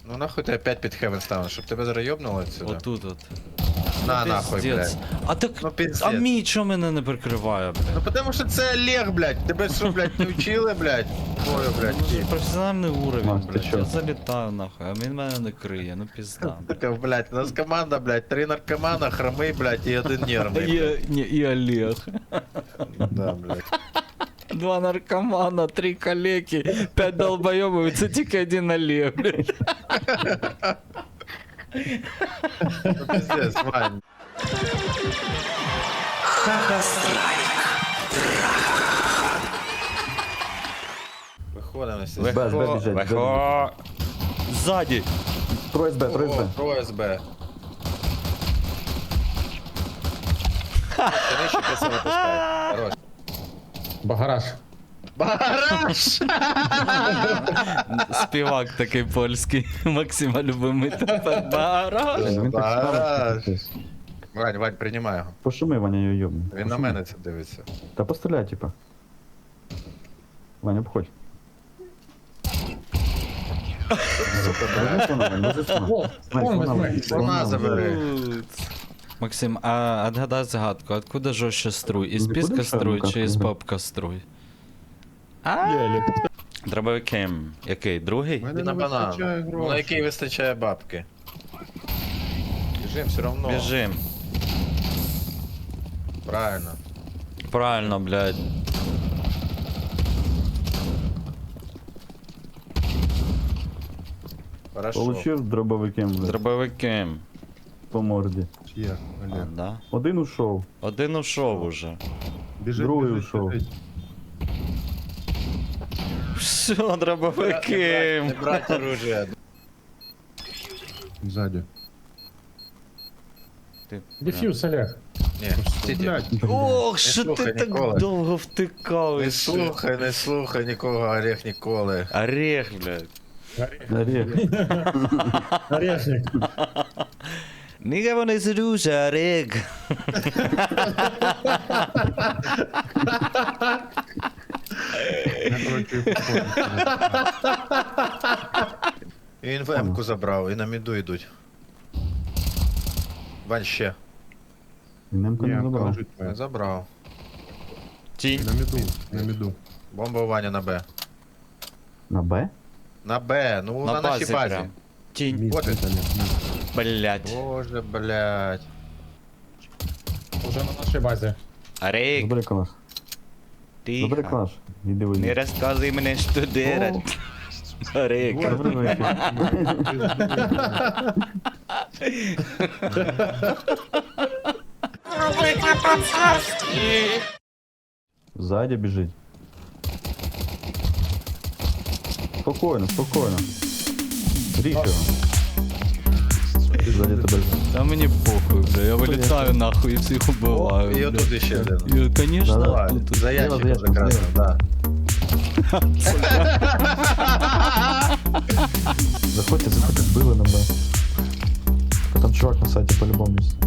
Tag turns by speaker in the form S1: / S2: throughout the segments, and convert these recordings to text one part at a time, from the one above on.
S1: Ну нахуй ти опять під хевен станеш, щоб тебе зараз йобнуло отсюда.
S2: Отут от.
S1: На нахуй,
S2: Пиздец.
S1: блядь.
S2: А так.
S1: Ну пиздец.
S2: А мій чо мене не прикриває, блядь?
S1: Ну потому що це Олег, блядь. Тебе що, блядь, не вчили, блядь? Ой, блядь.
S2: Це професіональний уровень,
S3: Макс, ти
S2: блядь.
S3: чо?
S2: Я залітаю нахуй, а він мене не криє, ну пізда.
S1: Така, блядь, у нас команда, блядь, 3 наркомана, хромий, блядь, і один нервний.
S2: І Олег.
S1: Да, блядь.
S2: 2 наркомана, 3 калеки, 5 долбоёбов, це тільки один Олег, блядь.
S1: Ну пиздец, Вань. Виходимо всі.
S3: Без біжать,
S2: Вихо. Ззаді.
S3: Трое СБ, трое
S1: О,
S3: СБ.
S1: про СБ. Нижче красиво пускай. Хорош.
S4: Багараж.
S1: Бараш!
S2: Співак такий польський, Максима любимий тепер. Бараш.
S3: Він так
S1: Багараж.
S3: само.
S1: Вань, Вань, приймай його.
S3: Пошуми, Ваня, його йобне.
S1: Він на мене це дивиться.
S3: Та постріляй, типа. Ваня, обходь. Возьми слона, Вань, возьми слона.
S4: О,
S3: Вань,
S4: вон
S3: слона,
S4: возьми.
S3: Вань,
S1: Слона забери.
S2: Максим, а отгадай загадку, откуда жестче струй? Из
S3: Ну,
S2: писка
S3: куда
S2: струй
S3: шаром
S2: чи із
S3: капнути?
S2: бабка струй? А? Дробовикем. Який? Другий?
S1: І на банан. Ну, на який вистачає бабки. Біжим все равно.
S2: Біжим.
S1: Правильно.
S2: Правильно, блядь.
S1: Хорошо.
S3: Получив дробовиком, блядь,
S2: Дробовикем.
S3: по морді.
S4: Є,
S2: А,
S4: Олег.
S2: да?
S3: Один ушов.
S2: Один ушов уже.
S4: Біжить,
S3: Другий
S4: біжить,
S3: ушов.
S4: біжить.
S2: Все,
S1: Не
S2: дробовикем.
S1: брать оружие.
S4: Ззаді.
S2: Ти-
S4: Дефьюз, Олег.
S1: Ні, стійте.
S4: Блядь.
S2: Ох, що ти
S1: слухай
S2: так
S1: ніколи.
S2: довго втикав.
S1: Не слухай, не слухай нікого, Орех ніколи.
S2: Орех, блядь.
S3: Орех.
S4: Орешник.
S2: Ніга вони зрюся, орех.
S4: Я, короче, походу.
S1: І він в М-ку забрав, і на міду йдуть. Вань ще.
S3: І немка
S4: Ні,
S3: не забрав.
S4: положить
S1: Не
S4: твоє.
S1: забрав.
S2: Тінь.
S4: На міду, на міду.
S1: Бомба у Ваня на Б.
S3: На Б?
S1: На Б, ну на нашій базі.
S2: прям. Тінь.
S4: Мід,
S1: Вот
S4: мід,
S1: він.
S4: Олег, мід.
S2: Блядь.
S1: Боже, блядь.
S4: Уже на нашій базі.
S2: Орех.
S3: Забери калаш. Забери
S2: Тихо.
S3: калаш. Іди
S2: Не
S3: вийди.
S2: розказуй мене, що делать. Орех.
S3: Добрий вечір. Ззаді біжить. Спокійно, спокійно. Ріж його. Ззаді тебе.
S2: Та мені похуй, бля, я вилітаю нахуй і всіх убиваю.
S1: І
S2: бля.
S1: отут іще один.
S2: І, конечно,
S3: Да-да.
S2: тут.
S1: За ящиком
S3: Зліва,
S1: закрасно, да.
S3: Заходьте, заходьте, били на Б. А там чувак на сайті по-любому є.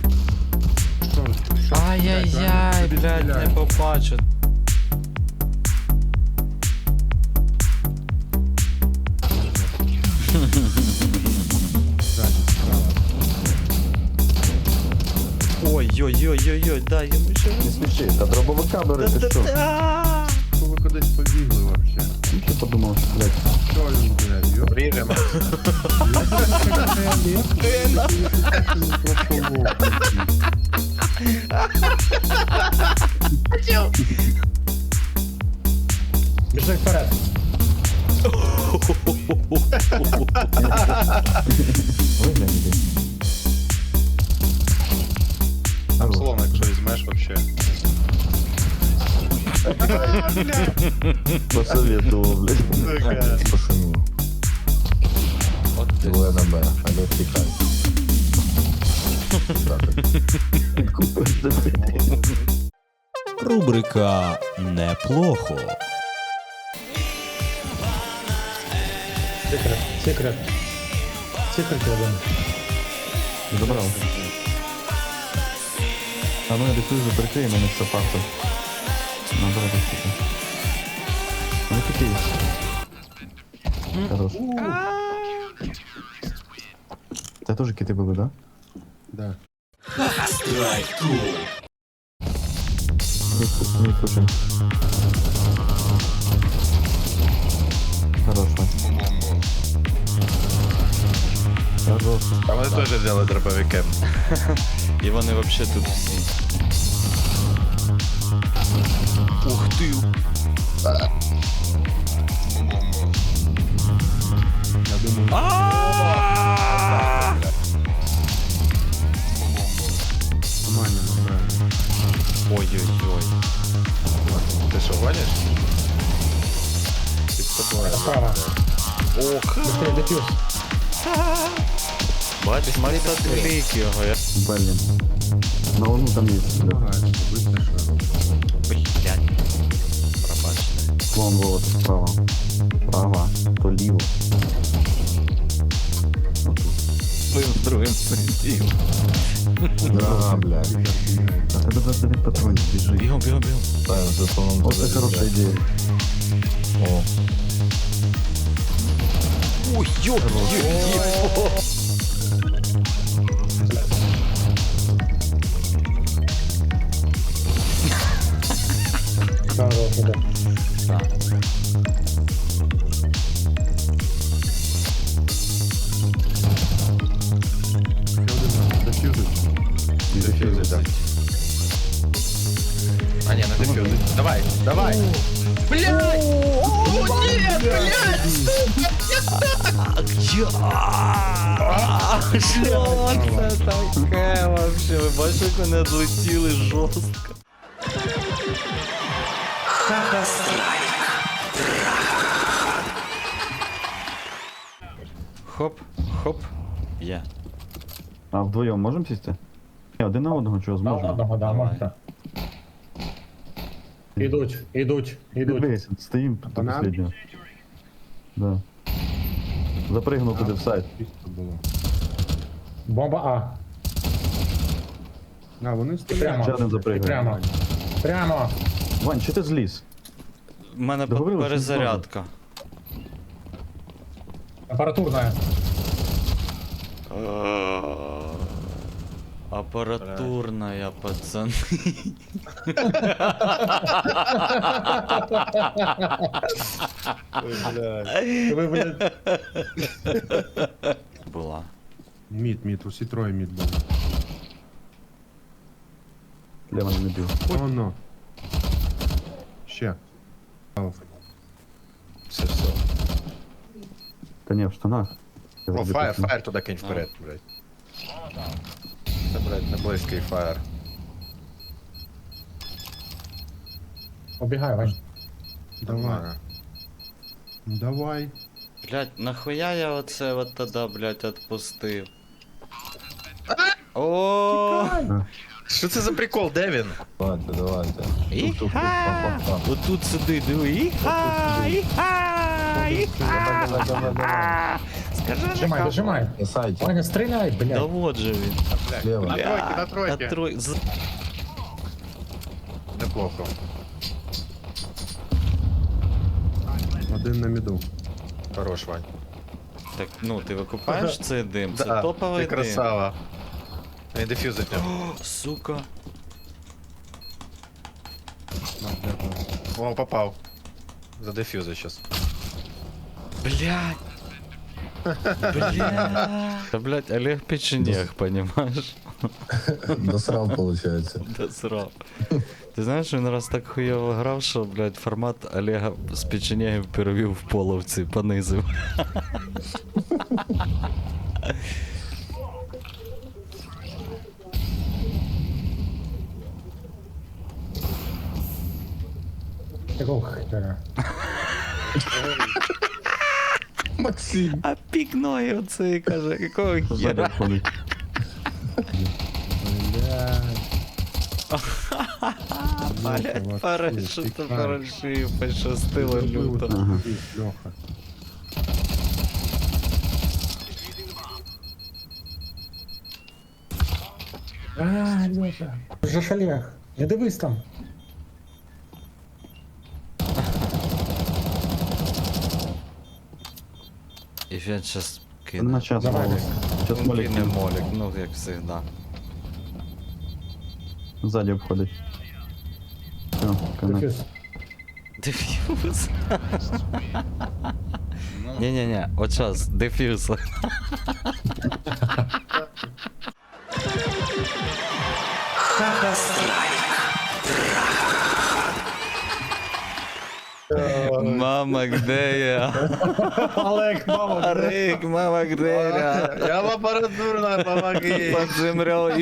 S2: Ай-яй-яй, блядь, не побачу.
S4: Ззаді, справа.
S2: Ой-ой-ой-ой-ой, дай йому ще.
S3: Не сміши, та дробовика бери, ти що?
S2: Та-та-та.
S4: Що ви кудись побігли вообще?
S3: Ну, що подумав, що, блядь,
S4: Що він, блядь, йоп?
S1: Ріжемо.
S4: Біжи вперед.
S3: виглянь іди.
S1: Там словно, якщо візьмеш вообще.
S3: Посоветував, блядь. Пошумів.
S2: От ти.
S3: Двоє на Б, але втікай.
S5: Рубрика «Неплохо».
S4: Секрет, секрет. Секрет один.
S3: Забрав. А ну я дефюзу прикрий, мене все фактор. Набрати штуку. Ну такий. Хорош. Те теж кити були, да?
S4: Да.
S3: Не слушай. Хорошо. Хорошо.
S1: А вони теж взяли дробовиком.
S2: І вони вообще тут всі. Ух ти!
S4: Я думаю, нормально, нормально.
S2: Ой-ой-ой.
S1: Ти що, гониш? Під тобою.
S4: Справа.
S2: Ох!
S4: Быстрее дефьюз.
S2: Бачиш, Маріса Твіліки його.
S3: Блин. На луну там есть, да.
S4: Ага, быстро что.
S2: Блядь. Пробачте.
S3: Вон, вот, справа. Справа. То ліво.
S2: Ми з другим сидів.
S3: Да, блядь. А тебе 29 патронів біжи.
S2: Бігом, бігом, бігом.
S3: Вот это хорошая идея. О.
S2: Ой, йо,
S4: Хорошо, да.
S1: Дефюзить, так. А ні, не дефюзить. Давай, давай. Блядь! О, ні, блядь!
S2: Що це таке вообще? Ви бачите, як вони одлетіли жорстко. Хоп, хоп. Є.
S3: А вдвоєм можемо сісти? Ні, один на одного чого зможемо?
S4: Одного, да,
S2: Давай.
S4: можна. Ідуть.
S3: Дивись, стоїм до
S4: Банан?
S3: последнього. Да. Запригнув туди в сайт.
S4: Чисто було. Бомба А. А, вони стріляють.
S3: Ще один запригує.
S4: Прямо.
S3: Вань, чи ти зліз?
S2: У мене
S3: Договорились, що
S2: перезарядка.
S4: Апаратурна.
S2: Аппаратурная, пацаны.
S4: Ви, блядь.
S2: Була.
S4: Мід, усі троє мід були.
S3: Лева не бив.
S4: Воно. Ще.
S1: Все.
S3: Та ні, в штанах. Я
S1: О,
S3: завжди
S1: фаєр,
S3: так-
S1: фаєр туди кинь вперед, блядь. Це, блядь, не близький фаєр.
S4: Обігай, Вань. Давай.
S1: Нормально.
S4: Давай.
S2: Блять, нахуя я оце от тоді, блять, отпустив? О,
S1: Що це за прикол, де він?
S2: іха! Отут сиди, диви, іха, іха, іха! Скажи,
S4: Дожимай. Ваня, стріляй,
S2: да
S4: блядь.
S2: вот же він.
S1: На тройки, на тройки. Неплохо.
S4: Один на міду.
S1: Хорош, Вань.
S2: Так, ну, ти викупаєш цей дим? Це
S1: Да,
S2: топовий
S1: ти
S2: дим.
S1: красава. Він дефюзить нього.
S2: О, сука.
S1: О, попав. Задефюзить щас.
S2: Блядь. Блядь. Да, блядь, Олег Печенег, понимаешь?
S6: Досрал, получается.
S2: Да срал. Ти знаєш, він раз так хуйово грав, що, блядь, формат Олега з Печенегів перевів в половці, понизив.
S4: Якого хера?
S6: Максим.
S2: А пікної оцей каже, якого
S3: Ззаді
S2: хера?
S3: входить.
S2: Блядь, парашют, парашют, пощастило люто.
S3: Ага.
S4: Леха. А, Леша. Вже ж Олег. Не дивись там.
S2: І він щас кине.
S3: На час
S4: Давай.
S3: волос. Сейчас
S2: Він
S3: молик
S2: кине молік, ну як завжди.
S3: сзади обходить. Все, конец.
S4: Дефюз.
S2: Дефьюз. Ні-ні-ні, от зараз, дефьюз. Мама, где я?
S4: Олег, мама.
S2: Рик, мама, где я?
S1: Я в апаратурна, помоги.
S2: Под землей.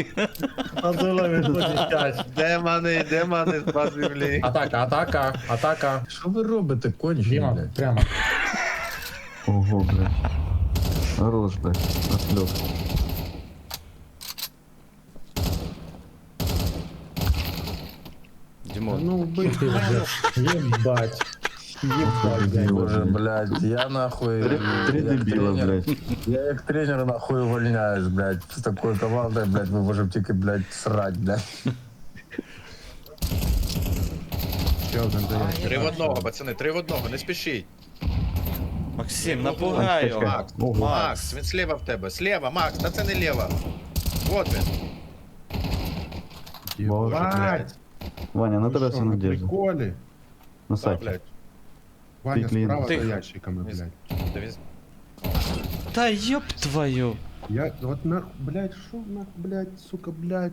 S1: Демони з-під землі.
S4: Атака.
S6: Що ви робите, кончені,
S4: Дима,
S6: блядь?
S4: прямо.
S3: Ого, блядь. Хорош, блядь. Отлет.
S2: Димон,
S4: Ну, убей ты уже. Ебать. Ебать, блядь.
S6: Боже, блядь, я нахуй...
S3: Три
S6: як
S3: дебила,
S6: тренер-
S3: блядь.
S6: Я як тренер нахуй увольняюсь, блядь. З такою командою, блядь, ми можемо тільки, блядь, срать, блядь.
S1: 3 в одного, пацани, 3 в одного, не спішіть.
S2: Максим, напугай його.
S1: Макс,
S3: Ого.
S1: Макс, він слева в тебе. Слева, Макс, та це не лево. Вот він.
S3: Боже,
S4: Бать.
S3: Ваня, на тебя все
S7: на
S3: надежда.
S7: приколе?
S3: На
S1: Да,
S3: сайте.
S1: блядь.
S7: Ваня
S3: клиент.
S7: справа
S2: Тихо.
S7: за ящиками, блядь.
S1: Та він-
S2: Та ёб твою.
S7: Я вот нах, блядь, шо нах, блядь, сука, блядь.